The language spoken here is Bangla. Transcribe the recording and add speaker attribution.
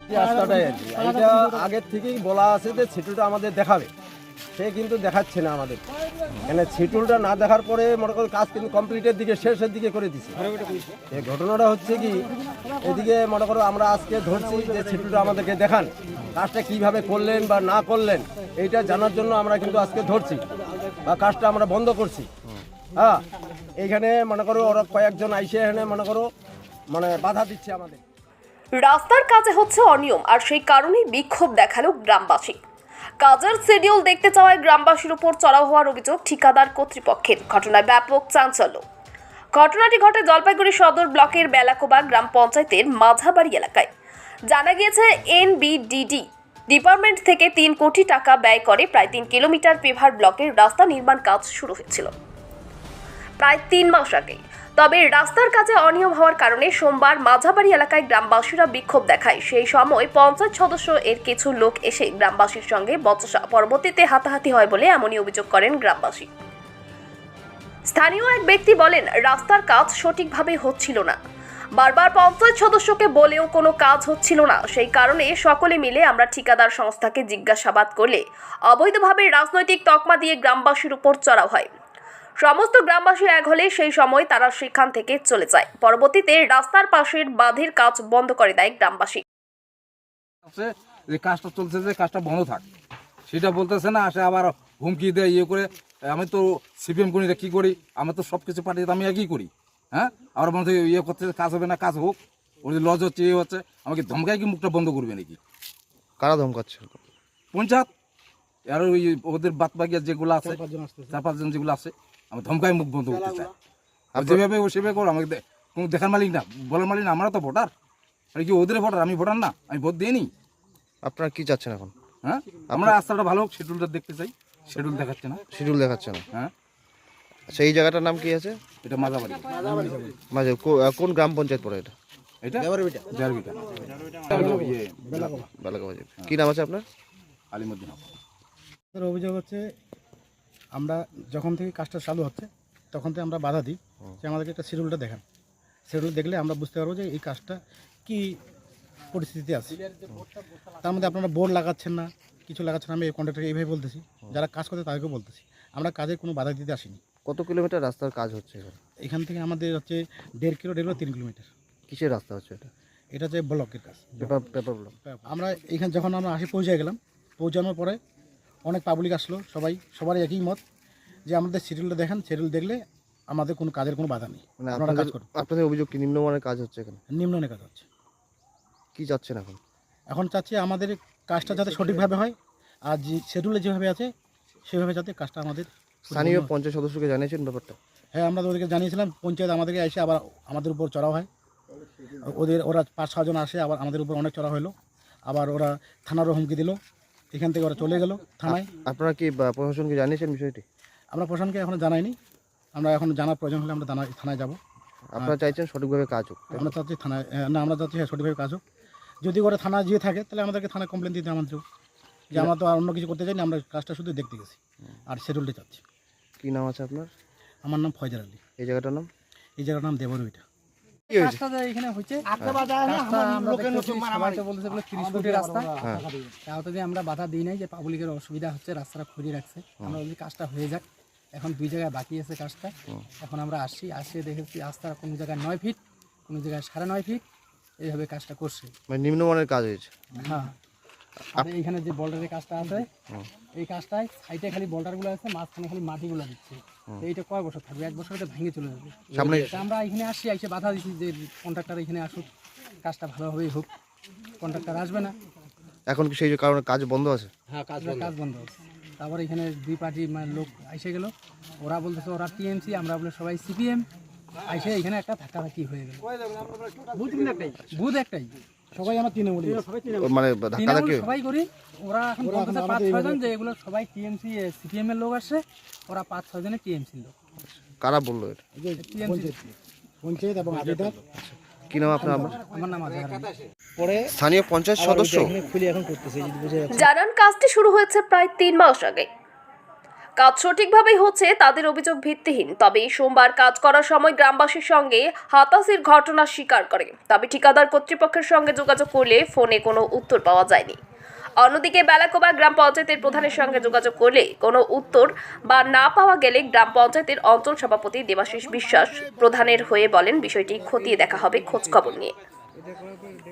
Speaker 1: রাস্তাটাই আর কি, এইটা আগের থেকেই বলা আছে যে ছিটুলটা আমাদের দেখাবে, সে কিন্তু দেখাচ্ছে না আমাদের। মানে ছিটুলটা না দেখার পরে মনে করো কাজ কিন্তু কমপ্লিটের দিকে শেষের দিকে করে দিচ্ছে। এই ঘটনাটা হচ্ছে কি, এদিকে মনে করো আমরা আজকে ধরছি যে ছিটুলটা আমাদেরকে দেখান, কাজটা কিভাবে করলেন বা না করলেন এইটা জানার জন্য আমরা কিন্তু আজকে ধরছি বা কাজটা আমরা বন্ধ করছি। হ্যাঁ, এইখানে মনে করো ওরা কয়েকজন আইসে এখানে মনে করো মানে বাধা দিচ্ছে আমাদের।
Speaker 2: রাস্তার কাজে হচ্ছে অনিয়ম, আর সেই কারণেই বিক্ষোভ দেখালো গ্রামবাসী। কাজের শিডিউল দেখতে চাওয়ায় গ্রামবাসীর উপর চড়াও হওয়ার অভিযোগ ঠিকাদার কর্তৃপক্ষের। ঘটনায় ব্যাপক চাঞ্চল্য। ঘটনাটি ঘটে জলপাইগুড়ি সদর ব্লকের বেলাকোবা গ্রাম পঞ্চায়েতের মাঝাবাড়ি এলাকায়। জানা গিয়েছে NBDD ডিপার্টমেন্ট থেকে 3 কোটি টাকা ব্যয় করে প্রায় 3 কিলোমিটার পেভার ব্লকের রাস্তা নির্মাণ কাজ শুরু হয়েছিল প্রায় 3 মাস আগে। তবে রাস্তার কাজে অনিয়ম হওয়ার কারণে সোমবার মাঝাবাড়ি এলাকায় গ্রামবাসীরা বিক্ষোভ দেখায়। সেই সময় পঞ্চায়েত সদস্য এর কিছু লোক এসে গ্রামবাসীর সঙ্গে বচসা, পরবর্তীতে হাতাহাতি হয় বলে এমনই অভিযোগ করেন গ্রামবাসী। স্থানীয় এক ব্যক্তি বলেন, রাস্তার কাজ সঠিকভাবে হচ্ছিল না, বারবার পঞ্চায়েত সদস্যকে বলেও কোনো কাজ হচ্ছিল না। সেই কারণে সকলে মিলে আমরা ঠিকাদার সংস্থাকে জিজ্ঞাসাবাদ করলে অবৈধভাবে রাজনৈতিক তকমা দিয়ে গ্রামবাসীর উপর চড়াও হয়। সমস্ত গ্রামবাসী এক হলে সেই সময় তারা সেখান থেকে চলে যায়। পরবর্তীতে রাস্তার পাশের বাঁধের কাজ বন্ধ করে দেয় গ্রামবাসী।
Speaker 3: যে কাজটা চলছে, যে কাজটা বন্ধ থাক সেটা বলতেছে না, আসে আবার হুমকি দেয়, ইয়ে করে। আমি তো CPM করি, কি করি, আমি তো সব কিছু পাঠিয়ে আমি একই করি। হ্যাঁ, আবার মনে হয় ইয়ে করতে কাজ হবে না, কাজ হোক, ওর যে লজ হচ্ছে, ইয়ে হচ্ছে, আমাকে ধমকায় কি মুখটা বন্ধ করবে নাকি?
Speaker 4: কারা ধমকাচ্ছে?
Speaker 3: পঞ্চায়েত আর ওই ওদের বাদ বাকিয়া যেগুলো আছে, 4-5 জন যেগুলো আছে, আমি ধমকায় মুখ বন্ধ করতে চাই। আর যেভাবে ও সেভাবে করো, আমাকে কোনো দেখার মালিক না, বলার মালিক না। আমরা তো ভোটার, আর কি ওদের ভোটার, আমি ভোটার না, আমি ভোট দিইনি।
Speaker 4: আপনারা কি চাচ্ছেন এখন?
Speaker 3: হ্যাঁ, আমরা রাস্তাটা ভালো হোক, শিডিউলটা দেখতে চাই। শিডিউল দেখাচ্ছে না।
Speaker 4: শিডিউল দেখাচ্ছে না?
Speaker 3: হ্যাঁ।
Speaker 4: আচ্ছা, এই জায়গাটার নাম কি আছে?
Speaker 3: এটা মাঝাবাড়ি।
Speaker 4: মাঝে কোন গ্রাম পঞ্চায়েত পড়ে এটা?
Speaker 3: এটা দেওয়ারবিটা।
Speaker 4: বেলাকাবাজি। কি নাম আছে আপনার?
Speaker 3: আলিমুদ্দিন।
Speaker 5: অভিযোগ হচ্ছে, আমরা যখন থেকে কাজটা চালু হচ্ছে তখন থেকে আমরা বাধা দিই যে আমাদেরকে একটা শিডিউলটা দেখান। শিডিউল দেখলে আমরা বুঝতে পারবো যে এই কাজটা কি পরিস্থিতিতে আছে। তার মধ্যে আপনারা বোর্ড লাগাচ্ছেন না, কিছু লাগাচ্ছেন। আমি কন্ট্রাক্টরকে এইভাবে বলতেছি, যারা কাজ করতে তাদেরকেও বলতেছি, আমরা কাজের কোনো বাধা দিতে আসিনি।
Speaker 4: কত কিলোমিটার রাস্তার কাজ হচ্ছে এখানে?
Speaker 5: এখান থেকে আমাদের হচ্ছে 1.5 কিলো 3 কিলোমিটার।
Speaker 4: কিসের রাস্তা হচ্ছে এটা?
Speaker 5: এটা হচ্ছে ব্লকের কাজ,
Speaker 4: পেপার ব্লক।
Speaker 5: আমরা এখানে যখন আমরা পৌঁছে গেলাম, পৌঁছানোর পরে অনেক পাবলিক আসলো, সবারই একই মত যে আমাদের শিডিউলটা দেখান, শিডিউল দেখলে আমাদের কোনো কাজের কোনো বাধা নেই।
Speaker 4: মানে
Speaker 5: আপনারা কাজ করুন।
Speaker 4: আপনাদের অভিযোগ কি নিম্নমানের কাজ হচ্ছে এখানে?
Speaker 5: নিম্নমানের কাজ হচ্ছে।
Speaker 4: কি চাচ্ছেন এখন?
Speaker 5: এখন চাচ্ছি আমাদের কাজটা যাতে সঠিকভাবে হয়, আর যে শিডিউলে যেভাবে আছে সেভাবে যাতে কাজটা আমাদের।
Speaker 4: স্থানীয় পঞ্চায়েত সদস্যকে জানিয়েছেন ব্যাপারটা?
Speaker 5: হ্যাঁ, আমরা তো ওদেরকে জানিয়েছিলাম। পঞ্চায়েত আমাদেরকে এসে আবার আমাদের উপর চড়াও হয়। ওরা 5-6 জন আসে, আবার আমাদের উপর অনেক চড়া হলো। আবার ওরা থানারও হুমকি দিল, এখান থেকে ওরা চলে গেল থানায়।
Speaker 4: আপনারা কি প্রশাসনকে জানিয়েছেন বিষয়টি?
Speaker 5: আমরা প্রশাসনকে এখনো জানাইনি, আমরা এখন জানার প্রয়োজন হলে আমরা থানায় যাব।
Speaker 4: আপনারা চাইছেন সঠিকভাবে কাজ হোক?
Speaker 5: আমরা চাচ্ছি থানায়, না আমরা চাচ্ছি হ্যাঁ সঠিকভাবে কাজ হোক। যদি ওরা থানা যেয়ে থাকে তাহলে আমাদেরকে থানায় কমপ্লেন দিতে আমাদের, যে আমরা তো আর অন্য কিছু করতে চাইনি, আমরা কাজটা শুধু দেখতে গেছি আর শিডিউলটা চাচ্ছি।
Speaker 4: কি নাম আছে আপনার?
Speaker 5: আমার নাম ফয়জার আলী।
Speaker 4: এই জায়গাটার নাম?
Speaker 5: এই জায়গার নাম দেবরবিটা।
Speaker 4: কি হয়েছে?
Speaker 6: এখানে হচ্ছে সবাই তো বলতেছে বলে 30 কোটি রাস্তা, তাও তো আমরা বাধা দিই নাই যে পাবলিকের অসুবিধা হচ্ছে, রাস্তাটা খুঁড়িয়ে রাখছে, আমরা বলি কাজটা হয়ে যাক। এখন 2 জায়গায় বাকি আছে কাজটা। এখন আমরা আসি দেখেছি রাস্তা কোনো জায়গায় 9 ফিট, কোনো জায়গায় 9.5 ফিট, এইভাবে কাজটা করছে।
Speaker 4: মানে নিম্নমানের কাজ হয়েছে?
Speaker 6: হ্যাঁ, আর এইখানে যে বল্ডারের কাজটা আছে, এই কাজটায় সাইডে খালি বল্ডারগুলো আছে, মাঝখানে খালি মাটিগুলো দিচ্ছে। এইটা কয় বছর থাকবে? 1 বছরে তো ভেঙে চলে যাবে।
Speaker 4: সামনে
Speaker 6: আমরা এখানে এসে বাধা দিচ্ছি যে কন্ট্রাক্টর এখানে আসুক, কাজটা ভালোভাবেই হোক। কন্ট্রাক্টর আসবে না।
Speaker 4: এখন কি সেই কারণে কাজ বন্ধ আছে?
Speaker 6: হ্যাঁ, কাজ বন্ধ আছে। তারপরে এখানে 2 পার্টি লোক এসে গেল, ওরা বলতেছে ওরা TMC, আমরা বলে সবাই CPM। এসে এখানে একটা ধাক্কাধাক্কি হয়ে গেল। বুথ একটাই, সবাই আমার তৃণমূলী,
Speaker 4: মানে ধাক্কাধাক্কি
Speaker 6: সবাই করি। ওরা এখন বলতেছে 5-6 জন যে এগুলো সবাই TMC CPM এর লোক আসছে, ওরা 5-6 জনের TMC লোক।
Speaker 4: কারা বললো এটা?
Speaker 5: পঞ্চায়েত এবং আবেদন।
Speaker 4: কি নাম আপনার?
Speaker 6: আমার নাম আজহার আলী।
Speaker 4: স্থানীয় পঞ্চায়েত সদস্য
Speaker 2: জানান কাজটি শুরু হয়েছে প্রায় 3 মাস আগে। কাজ সঠিকভাবেই হচ্ছে তাদের অভিযোগ ভিত্তিহীন। তবে সোমবার কাজ করার সময় গ্রামবাসীর সঙ্গে হাতাহাতির ঘটনা স্বীকার করে। তবে ঠিকাদার কর্তৃপক্ষের সঙ্গে যোগাযোগ করলে ফোনে কোনো উত্তর পাওয়া যায়নি। অন্যদিকে বেলাকোবা গ্রাম পঞ্চায়েতের প্রধানের সঙ্গে যোগাযোগ করলে কোনো উত্তর বা না পাওয়া গেলে গ্রাম পঞ্চায়েতের অঞ্চল সভাপতি দেবাশিস বিশ্বাস প্রধানের হয়ে বলেন বিষয়টি খতিয়ে দেখা হবে খোঁজখবর নিয়ে।